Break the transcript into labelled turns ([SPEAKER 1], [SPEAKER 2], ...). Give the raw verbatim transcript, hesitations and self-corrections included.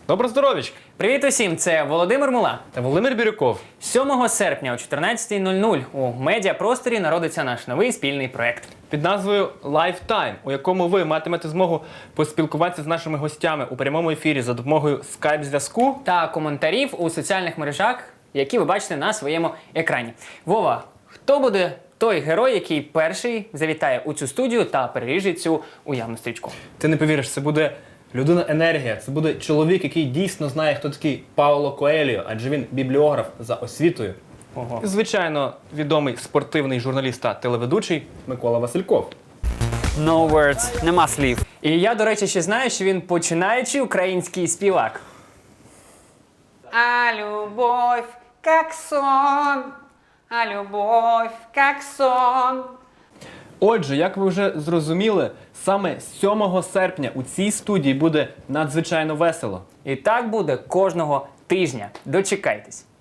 [SPEAKER 1] Добро здоровічка!
[SPEAKER 2] Привіт усім! Це Володимир Мула.
[SPEAKER 1] Та Володимир Бірюков.
[SPEAKER 2] сьомого серпня о чотирнадцятій нуль нуль у медіапросторі народиться наш новий спільний проект.
[SPEAKER 1] Під назвою Lifetime, у якому ви матимете змогу поспілкуватися з нашими гостями у прямому ефірі за допомогою скайп-зв'язку.
[SPEAKER 2] Та коментарів у соціальних мережах, які ви бачите на своєму екрані. Вова, хто буде той герой, який перший завітає у цю студію та переріже цю уявну стрічку?
[SPEAKER 1] Ти не повіриш, це буде людина-енергія. Це буде чоловік, який дійсно знає, хто такий Пауло Коельо, адже він бібліограф за освітою.
[SPEAKER 2] Ого.
[SPEAKER 1] І, звичайно, відомий спортивний журналіст та телеведучий Микола Васильков.
[SPEAKER 3] No words, нема слів.
[SPEAKER 2] І я, до речі, ще знаю, що він починаючий український співак.
[SPEAKER 4] А любовь, как сон, а любовь, как сон.
[SPEAKER 1] Отже, як ви вже зрозуміли, саме сьомого серпня у цій студії буде надзвичайно весело.
[SPEAKER 2] І так буде кожного тижня. Дочекайтесь.